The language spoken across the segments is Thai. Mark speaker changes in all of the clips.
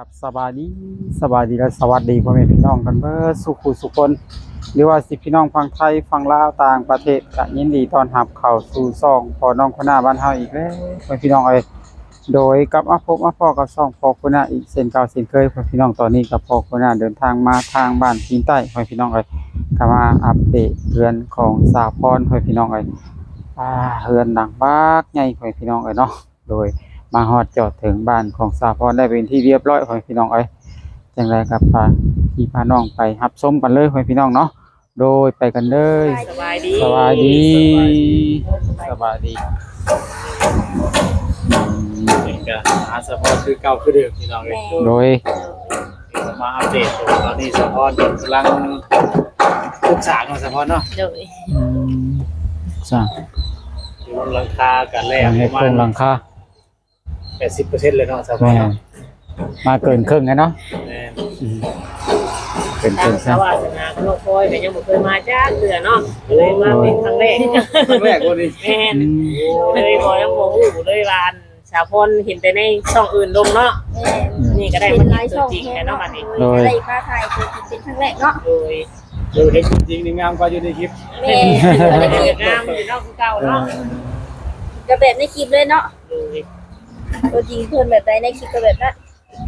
Speaker 1: กับสบายดีและสวัสดีพ่อแม่พี่น้องกันเบิดสุขุสุคนหรือว่าสิพี่น้องฝั่งไทยฝั่งลาวต่างประเทศก็ยินดีต้อนรับเข้าสู่ช่องพ่อน้องคนหน้าบ้านเฮาอีกแล้วพ่อพี่น้องเอ้ยโดยกับมาพบมาพ้อกับช่องพ่อคนหน้าอีกเช่นเก่าเช่นเคยพ่อพี่น้องตอนนี้กับพ่อคนหน้าเดินทางมาทางบ้านพิงใต้พ่อพี่น้องเอ้ยก็มาอัปเดตเรือนของสาพรพ่อพี่น้องเอ้ยเรือนหลังบักใหญ่พ่อพี่น้องเอ้ยเนาะโดยมาฮอดจอดถึงบ้านของสาพรได้เป็นที่เรียบร้อยพ่อพี่น้องเอ้ยจังไรกับพาพี่พาน้องไปรับชมกันเลยพ่อพี่น้องเนาะโดยไปกันเลย
Speaker 2: สบายดี
Speaker 1: สบายดีสบายดี
Speaker 3: นี่ก็อาสะพอนคือเก่าคือเดิมพี่น้องเลย
Speaker 1: โดย
Speaker 3: มาอัปเดตตอนนี้สะพอนกำลังศึกษาของสะพอนเนาะ
Speaker 2: โดย
Speaker 1: จ้า
Speaker 3: อยู่บนหลังคากันแรก
Speaker 1: ให้
Speaker 3: ประ
Speaker 1: โครงห
Speaker 3: มา
Speaker 1: ลั
Speaker 3: ณ
Speaker 1: งคา
Speaker 3: 80%เลยเนาะสะพอน
Speaker 1: แม่
Speaker 3: เนาะ
Speaker 1: มาเกินครึ่งแล้วเนาะ
Speaker 3: แม่น
Speaker 1: เกินค
Speaker 2: ทา
Speaker 1: รึ่
Speaker 2: ง
Speaker 1: ง
Speaker 2: ส
Speaker 1: ใช่
Speaker 2: วัสดิ์นาโลกคอยแต่ยังบ่เคยมาจ้าเถื่อเนาะเลยมาเป็นครั้งแรก
Speaker 3: ครั้งแรกวันนี้
Speaker 2: แม่นเลยบ่ยังบ่ฮู้เลยว่าสาวพรเห็นแต่ในช่องอื่นลงเนาะนี่ก็ได้มาเห็นตัวจริงแล้วเนาะบัดนี้
Speaker 1: โดย
Speaker 4: ได้มาถ่ายตัวจริงเป็นครั้งแรกเนาะ
Speaker 2: โดย
Speaker 3: ดูเห็นจริงๆนี่งามกว่าอยู่ในคลิป
Speaker 4: แม่
Speaker 2: ได้เกิดงามอยู่เนาะคือเก่าเนาะ
Speaker 4: ก็แบบในคลิปเลยเนาะ
Speaker 2: โดย
Speaker 4: ตัวจริงเพิ่นแบบใดในคลิปก็แบบนั้น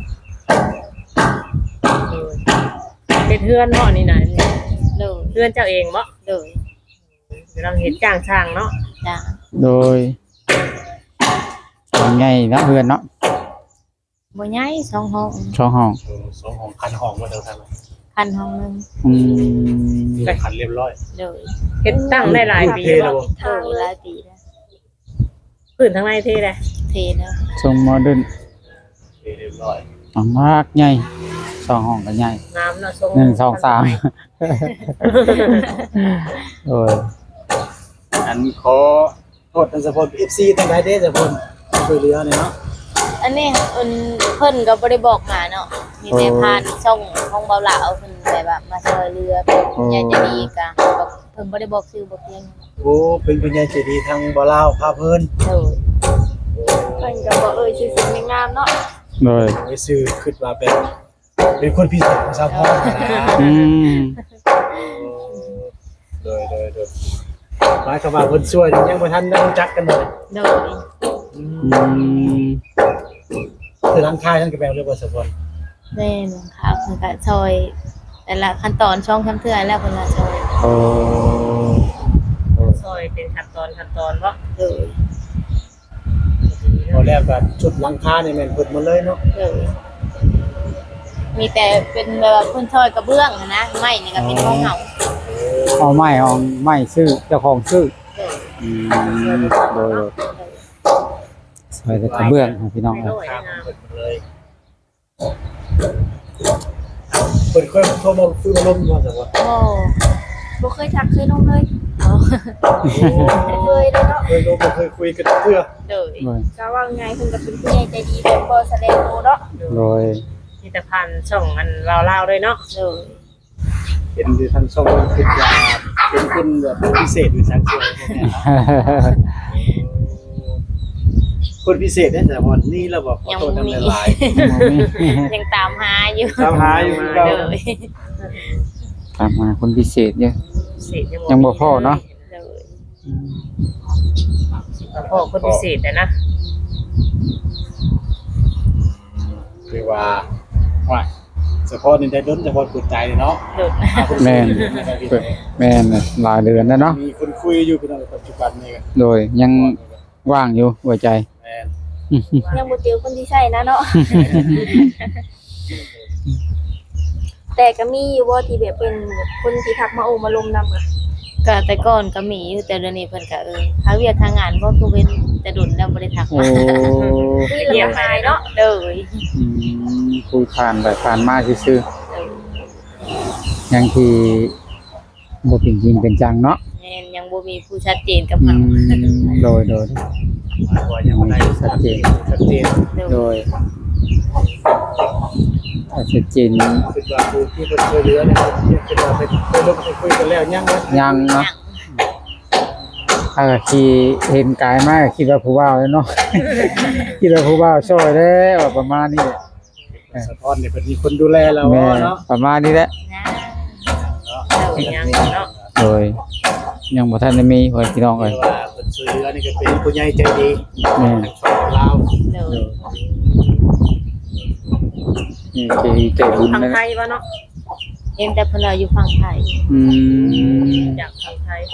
Speaker 2: โดยเป็นเพื่อนเนาะนี่น่ะ
Speaker 4: โดย
Speaker 2: เพื่อนเจ้าเองบ่
Speaker 4: โดย
Speaker 2: กำลังเฮ็ดจ้างช่างเนาะ
Speaker 4: จ้า
Speaker 1: โดยเป็นไงเนาะเพื่อนเนาะ
Speaker 4: บ่ใหญ่2ห้อง
Speaker 1: ช่องห้อง
Speaker 3: สองของคันห้องมาเท่าไหร่
Speaker 4: คันห้องนึง
Speaker 1: อืม
Speaker 3: ได้คันเรียบร้อย
Speaker 4: โดย
Speaker 2: เฮ็ดตั้งได้หลายปี
Speaker 3: เทแล้
Speaker 2: แล้ว
Speaker 3: วบ่
Speaker 4: ทางหลายปีแล้ว
Speaker 2: พื้นทั้งในเท่เลย
Speaker 4: เทแล้ว
Speaker 1: ทรงโมเดิร์น
Speaker 3: เรียบร้อย
Speaker 1: มากใหญ่ช่องห้องก็ใหญ่
Speaker 2: น้ำเนาะทรง
Speaker 1: 1 2 3โอ้ย
Speaker 3: อันขอโทษทางสะพอน FC ทั้งหลายเด้อสะพอนช่วยเหลือหน่อยเนาะ
Speaker 4: อันนี้เพิ่นก็บ่ได้บอกมาเนาะมีแต่ผ่านช่องของเบาหลาเอาเพิ่นแบบว่ามาช่วยเรือใหญ่จะดีกะเพิ่นบ่ได้บอกชื่อบอกเพียง
Speaker 3: โอ้เป็นปัญญาใจดีทางบ่ลาวพาเพิ่น
Speaker 4: โดยเพิ่นก็บ่ชื่อเสียงงามเนาะ
Speaker 1: โดย
Speaker 3: ไปซื้อคิดว่าเป็นคนพิเศษของสะพอนนะ
Speaker 1: อืม
Speaker 3: โดยหมายความว่าเพิ่นช่วยยังบ่ทันได้รู้จักกันเลย
Speaker 4: โดย
Speaker 1: อืม
Speaker 3: คือทางค่ายท่านก็แบ่งเรื่องว่าสะพอน
Speaker 4: แม่นค่ะเพิ่นก็ช่วยแต่ละขั้นตอนช่องคำเทื่อแล้วเพิ่นก็ช่วย
Speaker 1: โอ้
Speaker 2: ซอยเป็นขั้นตอนว่า
Speaker 4: โดย
Speaker 3: พอแล้วก็ชุดหลังคานี่แม่นเพิ่นหมดเลยเนาะ
Speaker 4: โดยมีแต่เป็นแบบว่าเพิ่นช่วยกระเบื้องอะนะไม้นี่ก็เป็นของเฮา
Speaker 1: เอาไม้ซื้อเจ้าของซื้อ
Speaker 4: โดย
Speaker 1: อืมโดยซอยแต่กระเบื้องของพี่น้อง
Speaker 2: ไม่
Speaker 1: ครับ
Speaker 2: น้อย
Speaker 3: ข้าม
Speaker 2: นะ
Speaker 3: เพิ่นหมดเลยเพิ่นเคยโทรมาคุยมาลมว่าสะพอน
Speaker 4: โอ้บ่เคยทักเคยลงเลยเคยเลยเนาะ
Speaker 3: เคยลมบ่เคยคุยกันเทื่อ
Speaker 4: โดย
Speaker 1: โดย
Speaker 4: ก็ว่าไงเพิ่นก็เป็นผู้ใหญ่ใจดีแบบบ่แสดงโตเนาะ
Speaker 1: โดย
Speaker 2: มีแต่พันช่องอันลาวๆด้วยเนาะ
Speaker 4: โดย
Speaker 3: เห็นที่ทางช่องคิดว่าเป็นคนแบบพิเศษหรือสังเกตพวกเนี้ยครับคนพิเศษได้สะพอนนี่เราบอกขอโทษนำหลาย
Speaker 4: ยังตามหาอยู่
Speaker 3: ตามหาอยู่คือเก่า
Speaker 4: โดย
Speaker 1: ตามมาคนพิเศษเยอะ
Speaker 2: เศษ
Speaker 1: ยังบ่พอเนาะ
Speaker 4: โดย
Speaker 2: พ่อคนพิเศษนะ
Speaker 3: คือว่าเฉพาะนี่ได้ล้นเฉพาะกุดใจเนาะ
Speaker 2: โดด
Speaker 1: แม่นแม่นน่ะหลายเดือนแล้วเนาะ
Speaker 3: มีคนคุยอยู่เป็นปัจจุบันนี่
Speaker 1: โดยยังว่างอยู่หัวใจ
Speaker 3: แม่น
Speaker 4: ยังบ่เจอคนที่ใช่นะเนาะแต่ก็มีอยู่ว่าที่แบบเป็นคนที่ทักมาโอมาลมนำอ่ะก็แต่ก่อนก็มีอยู่แต่เดี๋ยวนี้เพิ่นก็หาเวียกทางงานบ่คือเว้นแต่ดุนแล้วบ่ได้ทัก
Speaker 1: โอ้
Speaker 4: มาเยี่ยมหายเนาะโดย
Speaker 1: อืมคุยผ่านไปผ่านมาซื่อๆยังที่บ่เป็นจริงเป็นจังเนาะ
Speaker 4: แม่นยังบ่มีผู้ชัดเจนกับ
Speaker 1: อื
Speaker 4: เฮาม
Speaker 1: โดย
Speaker 3: ว่ายังไม่ได้ชัดเจน
Speaker 1: โดยถ้าชัดเจน
Speaker 3: คิดว่าผู้ที่เพิ่นช่วยเหลือเนี่ยคิดว่าเป็นเคยลงไปคุยกันแล้วยังนะ
Speaker 1: ยังเนาะถ้าที่เห็นกายมากคิดว่าผู้บ่าวแล้วเนาะ คิดว่าผู้บ่าวช่วยแล้วประมาณนี้แหละ
Speaker 3: สะท้อนเนี่ยเพิ่นมีคนดูแลเรา
Speaker 1: แม่
Speaker 3: เนาะ
Speaker 1: ประมาณนี้แหละ
Speaker 4: นะ
Speaker 2: ยังเนาะ
Speaker 1: โดยยังบ่ทันได้มีพ่อพี่น้องเอ้ย
Speaker 3: เรียกว่าเพิ่นช่วยเหลือนี่ก็เป็นผู้ใหญ่ใจดี
Speaker 1: แม่
Speaker 3: ทั้งฝั่งลาว
Speaker 4: เดี๋ยว
Speaker 1: นี่ใจบุญ
Speaker 2: ทาง
Speaker 1: นะ
Speaker 2: ไทยบ่เนาะ
Speaker 4: เห็นแต่เพิ่นเอาอยู่ฝั่งไทย
Speaker 1: อืม
Speaker 2: จากทางไทย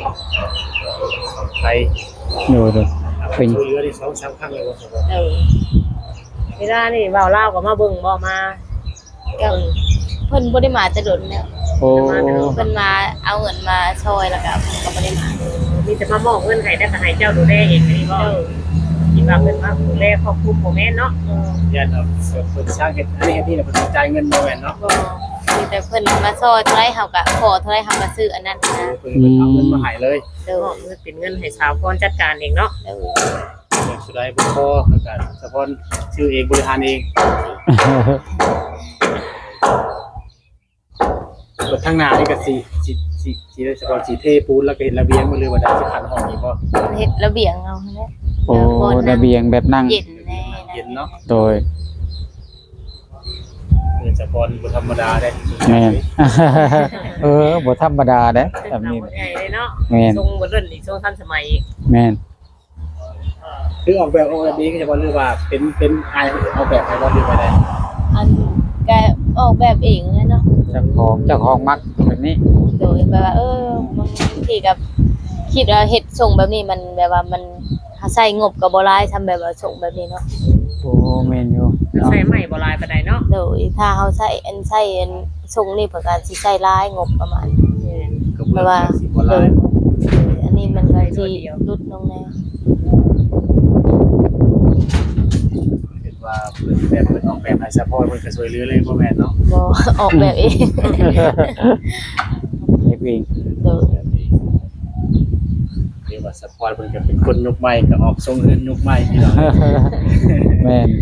Speaker 3: ไทย
Speaker 1: โดย
Speaker 3: ช่วยเหลือได้2-3ครั้งแล้วบ่ครับ
Speaker 4: เออ
Speaker 2: เวลานี่เว้าลาวก็มาเบิ่งบ่มา
Speaker 4: ก็เพิ่นบ่ได้มาแต่โดนแล้ว
Speaker 1: โอ้
Speaker 4: เพิ่นมาเอาเงินมาช่วยแล้วก็เพิ่นก็บ่ได้มา
Speaker 2: มีแต่มามอบเงินให้แต่ก็ให้เจ้าดูแลเองนี่บ่คิดว่าเพิ่นมาดูแลครอบครัวบ่แม่นเนาะ
Speaker 3: ญาติเราเพิ่นสร้างเฮ็ดอันนี้เฮ็ดนี่น่ะเพิ่นจ่ายเงินบ่แม่นเนาะ
Speaker 4: บ่มีแต่เพิ่นมาช่วยเท่าไรเฮาก็ขอเท่าไรเฮาก็ซื้ออันนั้นนะ
Speaker 3: เพิ่นเอาเงินมาให้เลย
Speaker 4: เดี๋ยว
Speaker 2: เป็นเงินให้สาวพรจัดการเองเนาะ
Speaker 4: เดี๋ยว
Speaker 3: เงินสุดท้ายบ่พอแล้วก็เฉพาะชื่อเองบริหารเองเปิดทางหน้านี่ก็สิได้เฉพาะสิเทปูนแล้วก็เฮ็ดระเบียงมาเลยว่าได้สิขันห้องอีกบ่
Speaker 4: เฮ็ดระเบียงเอาแหละ
Speaker 1: โอ้ระเบียงแบบนั่ง
Speaker 4: เย็นแน่
Speaker 3: เย็นเนาะ
Speaker 1: โดย
Speaker 3: เงินเฉพาะบ่ธรรมดาเด้
Speaker 1: แม่น บ่ธรรมดาเด้แบบนี้
Speaker 2: ใหญ่เลยเนาะ
Speaker 1: แม่น
Speaker 2: ทรงบ่เล่นอีกทรงทันสมัยอีก
Speaker 1: แม่น
Speaker 3: คือออกแบบนี้ก็เฉพาะหรือว่าเป็นอายออกแบบให้บ่หรือว่าได้
Speaker 4: อันก็ออกแบบเองเลยเนาะ
Speaker 1: เจ้าของมักแบบนี้
Speaker 4: โดยแบบว่าบางทีกับคิดว่าเฮ็ดส่งแบบนี้มันแบบว่ามันใช้งบก็บ่หลายทำแบบว่าส่งแบบนี้เนาะ
Speaker 1: โอ้แม่นอยู่เนาะ
Speaker 2: ใส่ไม้บ่ลายปานใดเนาะ
Speaker 4: โดยถ้าเฮาใช้ส่งนี่เพื่อการสิใช้หลายงบประมาณ
Speaker 3: ก็บ่ว่าสิบ่หลาย
Speaker 4: อันนี้มันก็สิลดลงแน่
Speaker 3: เห็นว่าเพิ่นออกแบบให้เฉพาะเพิ่นก็ช่วยเหลือเลยบ่แม่นเนาะ
Speaker 4: บ่ออกแบบเอง
Speaker 1: เฮ็ดเอง
Speaker 4: โดย
Speaker 3: เรียกว่าสปอร์ตเพิ่นก็เป็นคนยุคใหม่ก็ออกทรงเฮือนยุคใหม่พี่น้อง
Speaker 1: แม่น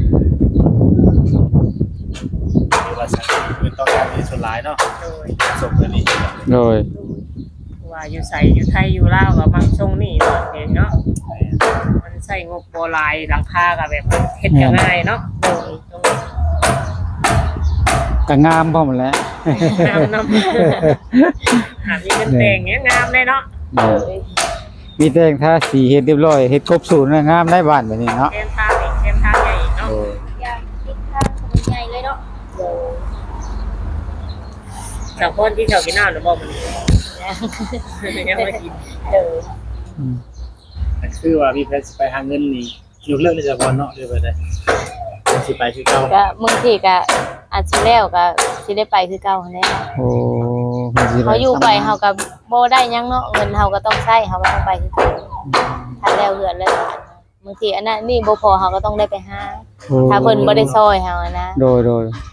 Speaker 3: เรียกว่าสังคมเพิ่นต้องการมีส่วนหลายเนาะ
Speaker 2: โดย
Speaker 3: ส่งเพิ่นนี่
Speaker 1: โดย
Speaker 2: ว่าอยู่ไสอยู่ไทยอยู่ลาวก็มักทรงนี่เนาะเห็นเนาะมันใส่งบบ่ลายหลังคาก็แบบเฮ็ดก็ง่ายเนาะ
Speaker 4: โดย
Speaker 2: ตรง
Speaker 1: ก็งามพร้อมแหล้ว
Speaker 2: งามนำหามีเงินแต่งเงี้ยงามเลยเนาะ
Speaker 1: มีแต่งทาสีเฮ็ดเรียบร้อยเฮ็ดครบสูตรนะงามได้บ้านแบบนี้เนาะ
Speaker 2: แคมทางอีกแคมทางใหญ่อีกเนาะ
Speaker 1: โอ้ย
Speaker 4: อยากคิดทางมันใหญ่เลยเนาะโดย
Speaker 2: สาวคนที่เขากินน้ำหรือบ่มันยังไม่กิน
Speaker 4: โดย
Speaker 3: คือว่ามีแผนสิไปหาเงินนี่ยกเลิกเลยจ้ะบ่เนาะหรือว่าได้สิไปคือเก่า
Speaker 4: ก็บางทีก็อาจสิแล้วก็สิได้ไปคือเก่าหั้นแหละ
Speaker 1: โอ้มันสิด้
Speaker 4: เขาอยู่ไปเฮาก็บ่ได้หยังเนาะเงินเฮาก็ต้องใช้เฮาก็ต้องไปคือเก่าถ้าแล้วเหือนแล้วบางทีอันนั้นนี่บ่พอเฮาก็ต้องได้ไปหา
Speaker 1: โอ้
Speaker 4: ถ้าเพิ่นบ่ได้ซอยเฮาอะนะ
Speaker 1: โดย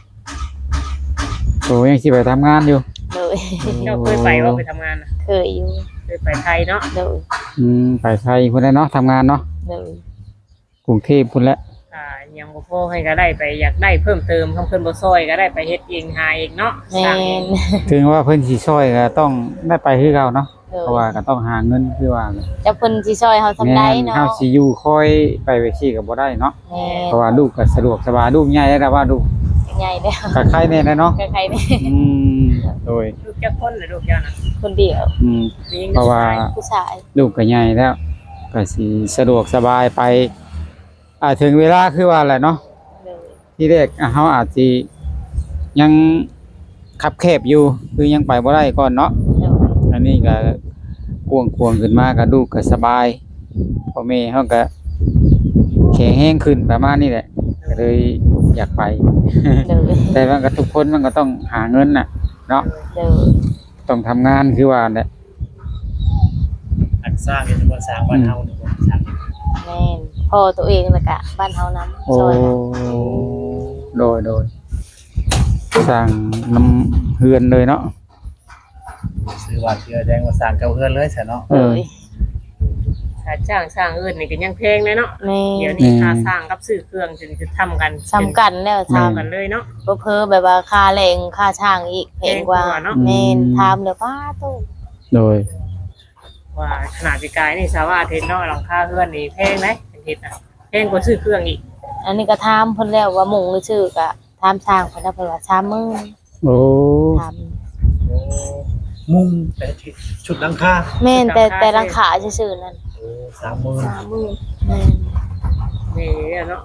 Speaker 1: โอ้ยังสิไปทำงานอยู่
Speaker 4: โดย
Speaker 2: เจ้าเคยไปว่าไปทำงานนะ
Speaker 4: เคยอยู่
Speaker 2: เคยไปไทยเนาะ
Speaker 4: โดย
Speaker 1: ไปไทยพุ่นแหละเนาะทำงานเนาะ
Speaker 4: โดย
Speaker 1: กรุงเทพพุ่นแหละ
Speaker 2: ยังบ่พอให้ก็ได้ไปอยากได้เพิ่มเติมคำเพิ่นบ่ซอยก็ได้ไปเฮ็ดเองหาเองเนาะ
Speaker 4: แม่
Speaker 2: สร้างเอง
Speaker 4: น
Speaker 1: ถึงว่าเพิ่นสิช่วยก็ต้องได้ไปคือเก่าเนาะ
Speaker 4: โด
Speaker 1: เพราะว่าย ก็ต้องหาเงินคือว่า
Speaker 4: จะเพิ่นสิซอยเฮาทำได้เนาะ
Speaker 1: เฮาสิอยู่คอยไปไว้ที่ก็บ่ได้เนาะ
Speaker 4: แม่
Speaker 1: เพราะว่าลูกก็สะดวกสบายลูกใหญ่แล้วว่าลูก
Speaker 4: นใหญ่แล้ว
Speaker 1: ก็ใครแน่นะเนาะ
Speaker 4: ใครๆนี่
Speaker 1: อืมโดย
Speaker 2: ลูกจักคนหรือลูกเจ้านะ
Speaker 4: คนเดียว
Speaker 2: มีงิน
Speaker 1: เพราะว่า
Speaker 4: ผู้ชาย
Speaker 1: ลูกก็ใหญ่แล้วก็สิสะดวกสบายไปถึงเวลาคือว่าแหละเนาะ
Speaker 4: โดย
Speaker 1: ที่แรกเฮาอาจสิยังคับแคบอยู่คือยังไปบ่ได้ก่อนเนาะ
Speaker 4: โดย
Speaker 1: อันนี้ก็กวงขึ้นมาก็ลูกก็สบายพ่อแม่เฮาก็แข็งแรงขึ้นประมาณนี้แหละก็เลยอยากไป
Speaker 4: โดย
Speaker 1: แต่ว่าก็ทุกคนมันก็ต้องหาเงินน่ะเนาะ
Speaker 4: โดย
Speaker 1: ต้องทำงานคือว่าแหละ
Speaker 3: อันสร้างนี่บ่สร้างบ้านเฮานี่บ่สร้าง
Speaker 4: แม่นพ่อตัวเองแล้วก็บ้านเฮานำ
Speaker 1: โอ้
Speaker 4: ซอย
Speaker 1: โดยสร้างน้ำเฮือนเลยเนาะ
Speaker 3: ซื้อว่าเชื่อแดงว่าสร้างเก่าเฮือนเลยซะเนาะ
Speaker 1: เอ
Speaker 4: โด
Speaker 1: อย
Speaker 2: ถ้าจ้างสร้างอื่นนี่ก็ยังแพงเลยเนาะ
Speaker 4: แม่
Speaker 2: เดี๋ยวนี้ค่าสร้างกับซื้อเครื่องจึงจะทำกัน
Speaker 4: สำคัญแล้ว
Speaker 2: ทำ
Speaker 4: ทำ
Speaker 2: กันเลยเนาะ
Speaker 4: เพ้อแบบว่าค่าแรงค่าช่างอีกแพงกว่า
Speaker 2: แพงกว่าเนอะ
Speaker 4: แม่นทำแล้วป้าตู้
Speaker 1: โดย
Speaker 2: ว่าขนาดปีกายนี่สาวาเทนเนาะหลังคาเฮือนนี่แพงไหมเป็นเฮ็ดน่ะแพงกว่าซื้อเครื่องอีก
Speaker 4: อันนี้ก็ถามเพิ่นแล้วว่ามุงหรือชื่อก็ถถามช่างเพิ่นเพิ่นว่า30,000
Speaker 1: โอ้
Speaker 4: ถาม
Speaker 3: โอ้มุงแต่ชุดหลังคา
Speaker 4: แม่นแต่ราคาซื่อๆนั่น
Speaker 3: โอ้30,000
Speaker 4: 30,000แม่น
Speaker 2: นี่เนาะ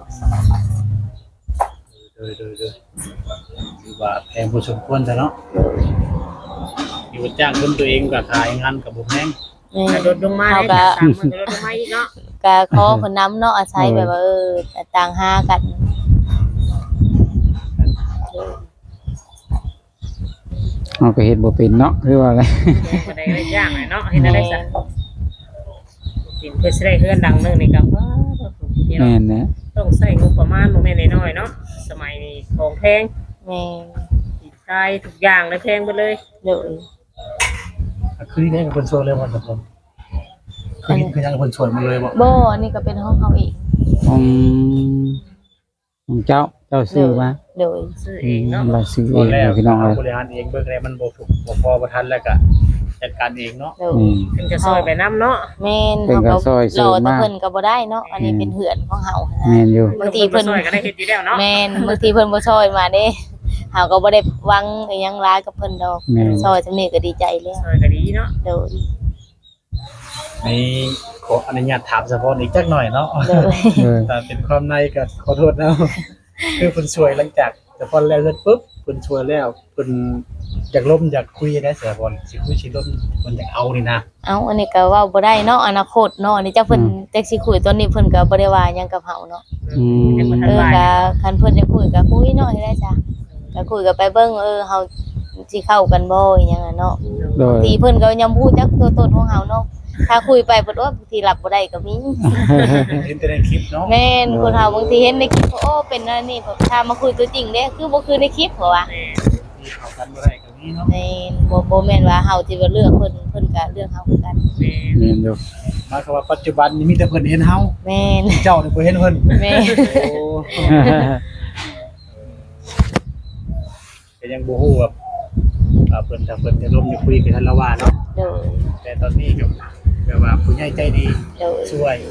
Speaker 3: โดยถือว่าแพงพอสมควรซะเนาะอยู่จ้างคนตัวเองก็ขายงานกับบ่แพง
Speaker 4: แม่น
Speaker 2: ลดลงมาได้จาก30,000ก็ลดลงมาอีกเนาะ
Speaker 4: ก็ขอเพิ่นนำเนาะอาศัยแบบว่าต่างหากัน
Speaker 1: เอาก็เฮ็ดบ่เป็นเนาะคือว่าอะไร
Speaker 2: บ่ได้ได้ยากเนาะเฮ็ดได้ซะกินเพื่อสิได้เฮือนดังนึงนี่ก็ว่าพี่น้อ
Speaker 1: แม่
Speaker 2: ง
Speaker 1: นนะ
Speaker 2: ต้องใช้งบประมาณบ่แม่นน้อยๆเนาะสมัยนี้ของแพง
Speaker 4: แม่น
Speaker 2: อีกใช้ทุกอย่างเลยแพงไปเลย
Speaker 4: โดย
Speaker 3: คือได้กับคนชวนเลยบ่ทุกคนคือยังกับคนชวนมาเลยบ่
Speaker 4: บ่อันนี้ก็เป็นห้องเฮาเอง
Speaker 1: ของของเจ้าซื้อมา
Speaker 4: โดย
Speaker 2: ซื้อเองเนาะ
Speaker 1: เราซื้อ
Speaker 3: ต
Speaker 1: เอ
Speaker 3: อน
Speaker 1: ง
Speaker 3: แรก
Speaker 1: พี่น้องเอ้ย
Speaker 3: บริหารเองเบิกแล้วมันบ่ถูกบ่พอบ่ทันแล้วก็จัดการเองเนาะ
Speaker 4: โดย
Speaker 2: เพิ่นจะซอยไปนํเนาะ
Speaker 4: แม่น
Speaker 1: เป็น
Speaker 4: เฮา
Speaker 1: ก็ซอย
Speaker 4: ร
Speaker 1: ซื้
Speaker 4: อ
Speaker 1: อ
Speaker 4: แต่
Speaker 1: มา
Speaker 4: เพิ่นก็บ่ได้เนาะอันนี้เป็นเหือนของเฮานะ
Speaker 1: แม่นอยู่
Speaker 4: บางทีเพิ่น
Speaker 2: ซอยก็ได้เฮ็ดอยู่แล้วเนาะ
Speaker 4: แม่นบางทีเพิ่นบ่ซอยมาเด้เฮาก็บ่ได้หวังอิหยังหลายกับเพิ่นดอก
Speaker 1: แม่น
Speaker 4: ซอยจังนี้ก็ดีใจแล้ว
Speaker 2: ซอยก็ดีเนาะ
Speaker 4: โดย
Speaker 3: นี่ขออนุญาตถามเฉพาะอีกจักหน่อยเนาะ
Speaker 4: โดย
Speaker 1: เออ
Speaker 3: แต่เป็นความในก็ขอโทษนะ คือเพิ่นช่วยหลังจากแต่พอแล้วเสร็จปุ๊บเพิ่นช่วยแล้วเพิ่นอยากล้มอยากคุยได้เสียบอลสิคุยสิล้มเพิ่นอยากเอานี่นะ
Speaker 4: เอ้าอันนี้ก็เว้าบ่ได้เนาะอนาคตเนาะอันนี้จักเพิ่นจักสิคุยตอนนี้เพิ่นก็บ่ได้ว่าหยังกับเฮาเนาะ
Speaker 2: ยังบ่ทั
Speaker 4: เอน อ
Speaker 2: ว่า
Speaker 4: ก็คันเพิ่นจะคุยก็คุยเนาะได้จ้ะก็คุยก็ไปเบิ่งเฮาสิเข้ากันบ่อีหยังอะเนาะ
Speaker 1: โดย
Speaker 4: บางทีเพิ่นก็ยังพูดจักตัวตนของเฮาเนาะถ้าคุยไปเพิ่นว่าบางทีรับบ่ได้ก็มี
Speaker 3: เห็นแต่ในคลิปเนาะ
Speaker 4: แม่นคนเฮาบางทีเห็นในคลิปโอ้เป็นอันนี้แบบถ้ามาคุยตัวจริงเด้คือบ่คือในคลิปเหรอวะ
Speaker 3: ที่เข้ากันบ่ได้ก็มีเนาะ
Speaker 4: แม่นบ่แม่นว่าเฮาสิว่าเลือกเพิ่นก็เลือกเฮาคือกัน
Speaker 1: แม่นอยู่
Speaker 3: หมายความว่าปัจจุบันนี้มีแต่เพิ่นเห็นเฮา
Speaker 4: แม่น
Speaker 3: เจ้านี่บ่เห็นเพิ่น
Speaker 4: แม่น
Speaker 3: โอ้ก็ยังบ่ฮู้ว่าเพิ่นถ้าเพิ่นจะล้มจะคุยกันทันละว่าเนาะ
Speaker 4: โดย
Speaker 3: แต่ตอนนี้ก็แบบว่าผู้ใหญ่ใจดี
Speaker 4: โดย
Speaker 3: ช่วย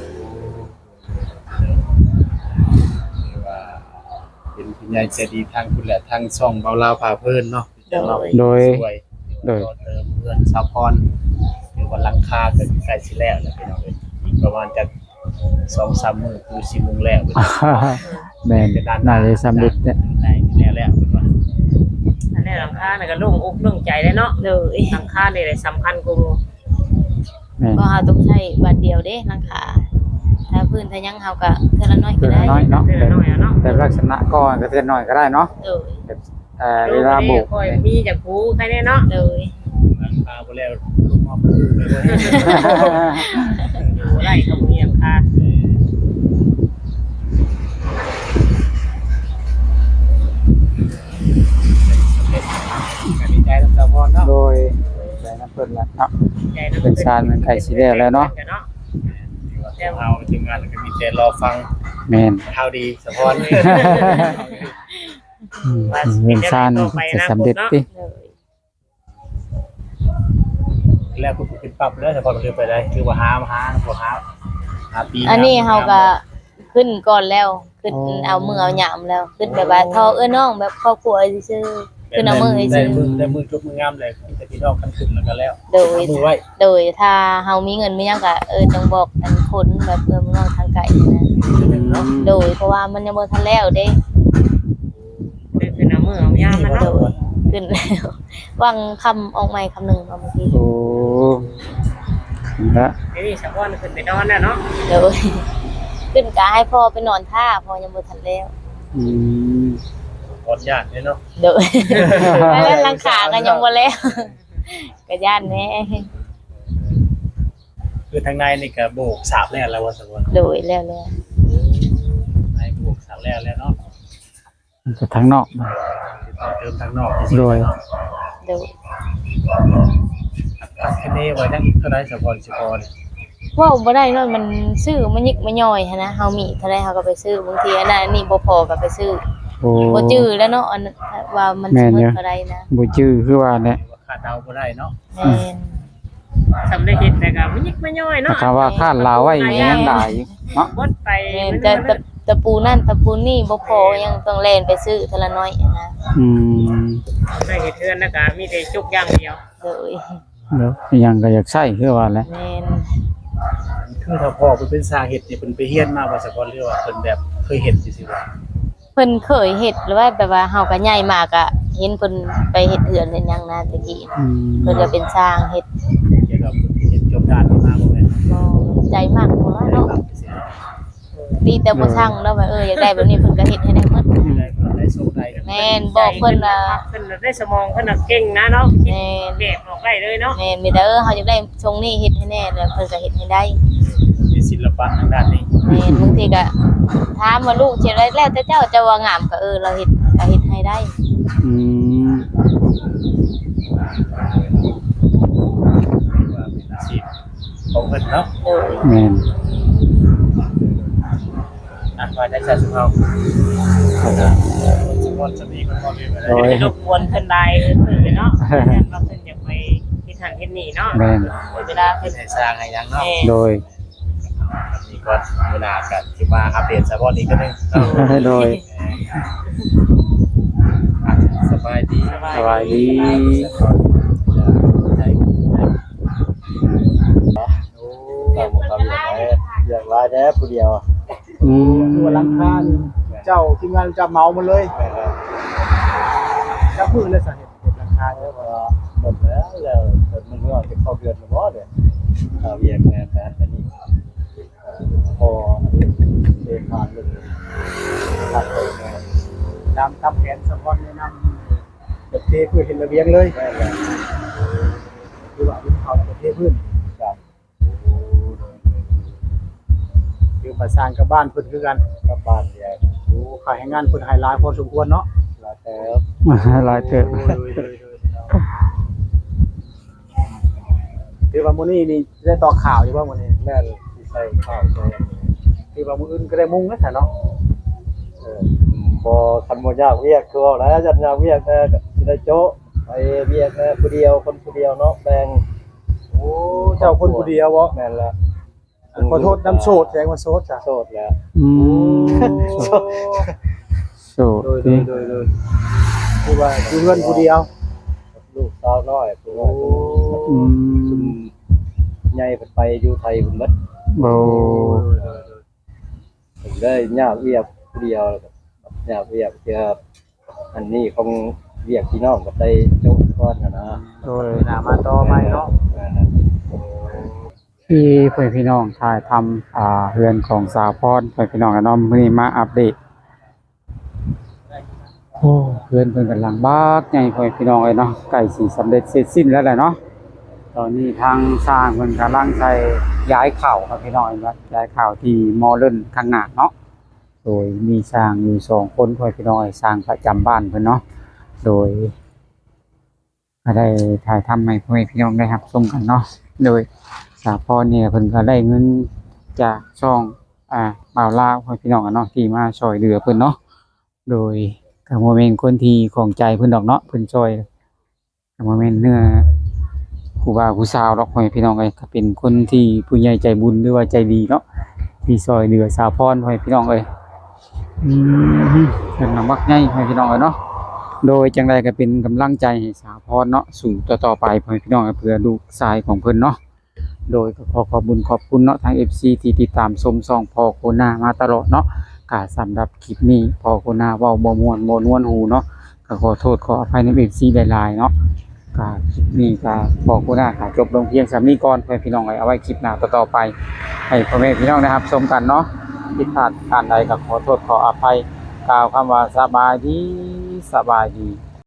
Speaker 3: ว่าเป็นผู้ใหญ่ใจดีทางคุณแหละทางช่องเบาลาวพาเพิ่นเนาะจะเนาะ
Speaker 1: โดย
Speaker 3: ช่วย
Speaker 1: โดย
Speaker 3: เติมเพื่อนซัพพอร์ตคือว่าหลังคาก็ใกล้สิแล้วแล้วพี่น้องเอ้ยอีกประมาณจะ2-3 มื้อคือสิมุ่งแล้วพี่น้อง
Speaker 1: แม่นน่าจะสำเร็จเนี่ย
Speaker 3: ได้แล้วเพิ่นว่า
Speaker 2: อันนี้หลังคาน่ะก็โล่งอกโล่งใจได้เนาะ
Speaker 4: โดย
Speaker 2: หลังคานี่แหละสำคัญกว่าหมู่
Speaker 1: แม่น
Speaker 4: ก็เฮาต้องใช้บัตรเดียวเด้หลังคาถ้าพื้นถ้ายังเฮาก็เทื่อละน้อย
Speaker 1: เทื่
Speaker 4: ก็
Speaker 1: อ
Speaker 4: ได้
Speaker 1: ละน้อยเนาะ
Speaker 2: เทื่อละน้อยอะเนาะ
Speaker 1: แต่ลักษณะก่อนก็เทื่อน้อยก็ได้เนาะ
Speaker 4: โดย
Speaker 1: แบบเวลาโบก
Speaker 2: ค่อยมีจากผู้ใครแน่เนาะ
Speaker 4: โดย
Speaker 3: หลังคาบ่แล้วลูกมอบลูกเลยบ่เห็น
Speaker 2: อยู่ไร่เขามีหลังคา
Speaker 3: ก็ดีใจกับซัพพอร์ตเนาะ
Speaker 1: โดยใจน้ำเพิ่นละเนาะ
Speaker 2: ใหญ่ะ
Speaker 1: เป็นชาญมันไก่สิแล้วแล้วเนาะ
Speaker 3: เอาทีมงานก็มีแต่รอฟัง
Speaker 1: แม่น
Speaker 3: ข่าวดีซัพพอร์ต
Speaker 1: เป็นชาญจะสำเร็จติ
Speaker 4: โดย
Speaker 3: แล้วก็เป็นปรับแล้วซัพพอร์ตมันคือไปได้คือว่าหาปี
Speaker 4: อันนี้เฮาก็ขึ้นก่อนแล้วขึ้นเอามือเอาหยามแล้วขึ้นแบบว่าทอน้องแบบครอบครัวซื่อๆขึ้นเอามือ
Speaker 3: ได้
Speaker 4: ซื่อ
Speaker 3: มือจุบมืองามเลยแต่พี่น้องกันขึ้นแล้วก็แล้ว
Speaker 4: โดย
Speaker 3: มือไว้
Speaker 4: โดยถ้าเฮามีเงินมีหยังก็จังบอกอันคนแบบมึงน้องทางไกลนะโดยเพราะว่ามันยังบ่ทันแล้วเด้
Speaker 2: คือน้ำมือเอายามมัน
Speaker 4: โด
Speaker 2: เนาะ
Speaker 4: ยขึ้นแล้ววางคำออกใหม่คำหนึงมาเมื่อกี้
Speaker 1: โอ้ละ
Speaker 2: นี่สะพอนขึ้นไปนอนแล้วเนาะ
Speaker 4: โดยขึ้นก็ให้พ่อไปนอนท่าพ่อยังบ่ทันแล้ว
Speaker 1: อืม
Speaker 3: ขออนุญาตเลยเนาะ
Speaker 4: โดยแล้วหลังคาก็ยังบ่แล้วก็ย่านแน่
Speaker 3: คือทางในนี่ก็โบกสาบแล้วว่าสักวัน
Speaker 4: โดยแล้ว
Speaker 3: ในโบกสาบแล้วเนาะ
Speaker 1: มันจะทั้งนอก
Speaker 3: เติมทางนอก
Speaker 1: โดย
Speaker 4: โดย
Speaker 3: อัดคะแนนไว้นั่งเท่าไรสักวันสิพอเนี่ย
Speaker 4: เว้าบ่ได้เนาะมันซื้อมันยิกมันย่อยหันนะเฮามีเท่าใดเฮาก็ไปซื้อบางทีอันนั้นอันนี้บ่พอก็ไปซื้อ
Speaker 1: โอ้
Speaker 4: บ่จื้อแล้วเนาะอันนั้นว่ามันสิหมดเท่าใดนะ
Speaker 1: บ่จื้อคือว่าเนี่ย
Speaker 3: ขาดเดาบ่ได้เนาะ
Speaker 4: แม่น
Speaker 2: สำเร็จเฮ็ดแต่ก็มันยิกไม่ย่อยเนาะ
Speaker 1: ถ้าว่าคาดลาวไว้ยังได้อยู่เนาะ
Speaker 2: บดไป
Speaker 4: แม่นแต่ตะปูนั่นตะปูนี่บ่พอยังต้องแล่นไปซื้อเทอละน้อยนะ
Speaker 1: อืม
Speaker 2: ได้เฮ็ดเทือนแล้วก็มีแต่จุกอย่างเดียว
Speaker 4: โดย
Speaker 1: แล้วยังก็อยากใช้คือว่าแหละ
Speaker 4: แม่น
Speaker 3: คือถ้าพ่อเพิ่นเป็นสาเหตุนี่เพิ่นไปเฮียนมาว่าสะก่อนหรือว่าเพิ่นแบบเคยเห็นซื่อๆว่า
Speaker 4: เพิ่นเคยเฮ็ดหรือว่าแบบว่าเฮาก็ใหญ่มากอะเห็นเพิ่นไปเฮ็ดเฮือนเฮ็ดหยังนะตะกี้
Speaker 1: อืม
Speaker 4: เพิ่นก็เป็นช่างเฮ็ด
Speaker 3: เกี่ยวกับเห็นจบด้านนี้มาบ่แม่น
Speaker 4: บ่ใจมากบ่ว่าเนาะ
Speaker 3: เสีย
Speaker 4: ดีแต่บ่ช่างแล้วว่าอยากได้แบบนี้เพิ่นก็เฮ็ดให้ได้หมด
Speaker 3: ได้โชคได้
Speaker 4: แม่นบอกเพิ่นว่า
Speaker 2: เพิ่นได้สมองเพิ่นน่ะเก่งนะเนาะคิด
Speaker 4: แม่น
Speaker 2: แบบออกได้เลยเนาะ
Speaker 4: แม่นมีแต่เฮาอยากได้ทรงนี้เฮ็ดให้แน่แล้วเพิ่นก็เฮ็ดให้ได้
Speaker 3: มีศิลปะทางด้านนี้
Speaker 4: แม่นบางทีก็ถามว่าลูกเฮ็ดได้แล้วแต่เจ้าจะว่างามก็เราเฮ็ดก็เฮ็ดให้ได้
Speaker 1: อืม
Speaker 3: ว่าเป็นอาชีพของเพิ่นเนาะ
Speaker 4: โดย
Speaker 1: แม่น
Speaker 3: ว่าได้ใช้สุภาพสมมุติจะมีคนบ่มีอะไร
Speaker 1: โอ้ย
Speaker 2: รบกวนเพิ่นได้เพิ่นเลยเนาะเพิ่นว่าเพิ่นอยากไปเฮ็ดหันเฮ็ดนี่เนาะ
Speaker 1: แม่น
Speaker 2: เวลาเพิ่น
Speaker 3: ให้สร้างให้หยังเนาะ
Speaker 1: โดย
Speaker 3: นี่ก็เวลากันที่มาอัปเดตสะพอนอีกก็นึง
Speaker 1: โดย
Speaker 3: สบายดี
Speaker 1: สบายดี
Speaker 3: อย่างไรแน่ผู้เดียว
Speaker 1: อืม
Speaker 3: ตัวลังคาเจ้าทีมงานจะเมามันเลยจะพื้นเลยสาเหตุลังคาเนี่ยว่าหมดแล้วมันก็จะเข้าเดือนหรือว่าเดี๋ยวเอาเวียงแม่แฟนอันนี้พอเดินทางเลยตัดไปตามแผนสปอนแนะนำแบบเทพื้นเห็นระเบียงเลยคือว่าวินเขาแบบเทพื้นครับคือประสานกับบ้านเพิ่นคือกันกับบ้านเดียวโอ้ขายให้งานเพิ่นไฮไลท์พอสมควรเนาะหลายแต่
Speaker 1: หลายเติบ
Speaker 3: คือว่ามื้อนี้นี่ได้ต่อข่าวอยู่ว่ามื้อนี้แม่นสิใส่ข่าวใส่คือว่ามื้ออื่นก็ได้มุ่งนะแต่เนาะบ่คันบ่ยากเวียกคือว่าแล้วจัดยากเวียกแต่สิได้โจ๊ะไปเวียกผู้เดียวคนผู้เดียวเนาะแบ่งโอ้เจ้าคนผู้เดียวบ่แม่นละขอโทษน้ำโสดแสดงว่าโสดจ้ะโสดแล้ว
Speaker 1: อืมโสด
Speaker 3: โดยคือว่าอยู่เรือนผู้เดียวลูกสาวน้อยผู้ว่า
Speaker 1: อืม
Speaker 3: ใหญ่ไปอยู่ไทยพุ่นเบิด
Speaker 1: โอ้
Speaker 3: ผมได้ยากเวียกผู้เดียวยากเวียกเจออันนี้ของเวียกพี่น้องก็ได้โจ๊กก้อนนะ
Speaker 1: โดย
Speaker 3: หน้ามาต่อใหม่เนาะ
Speaker 1: ที่เพื่อนพี่น้องถ่ายทำเรือนของสาวพรเพื่อนพี่น้องกันเนาะมื้อนี้มาอัปเดตโอ้เรือนเพิ่นกำลังบากใหญ่เพื่อนพี่น้องเลยเนาะใกล้สิสำเร็จเสร็จสิ้นแล้วแหละเนาะตอนนี้ทางสร้างเพิ่นกำลังใช้ย้ายเข่าครับพี่น้องเห็นบ่ย้ายเข่าที่มอเลิ่นข้างหน้าเนาะโดยมีสร้างอยู่2คนเพื่อนพี่น้องสร้างประจำบ้านเพิ่นเนาะโดยก็ได้ถ่ายทำให้เพื่อนพี่น้องได้รับชมกันเนาะโดยสาพรเนี่ยเพิ่นก็ได้เงินจากช่องบ่าวลาวให้พี่น้องกันเนาะที่มาช่วยเหลือเพิ่นเนาะโดยก็บ่แม่นคนที่ของใจเพิ่นดอกเนาะเพิ่นช่วยก็บ่แม่นเนื้อผู้บ่าวผู้สาวดอกให้พี่น้องเอ้ยก็เป็นคนที่ผู้ใหญ่ใจบุญหรือว่าใจดีเนาะที่ช่วยเหลือสาพรให้พี่น้องเอ้ยเพิ่นน่ะมักใหญ่ให้พี่น้องเอ้ยเนาะโดยจังไดก็เป็นกำลังใจให้สาพรเนาะสู่ต่อๆไปให้พี่น้องเพื่อลูกชายของเพิ่นเนาะโดยก็ขอขอบคุณเนาะทาง FC ที่ติดตามชมช่องพ่อโคนามาตลอดเนาะก็สำหรับคลิปนี้พ่อโคนาเว้าบ่ม่วนบ่นวลหูเนาะก็ขอโทษขออภัยใน FC หลายๆเนาะก็คลิปนี้ก็พ่อโคนาก็จบลงเพียงส่ำนี้ก่อนเพื่อพี่น้องเอาไว้คลิปหน้าต่อๆไปให้พ่อแม่พี่น้องนะครับชมกันเนาะผิดพลาดการใดก็ขอโทษขออภัยกล่าวคำว่าสบายดี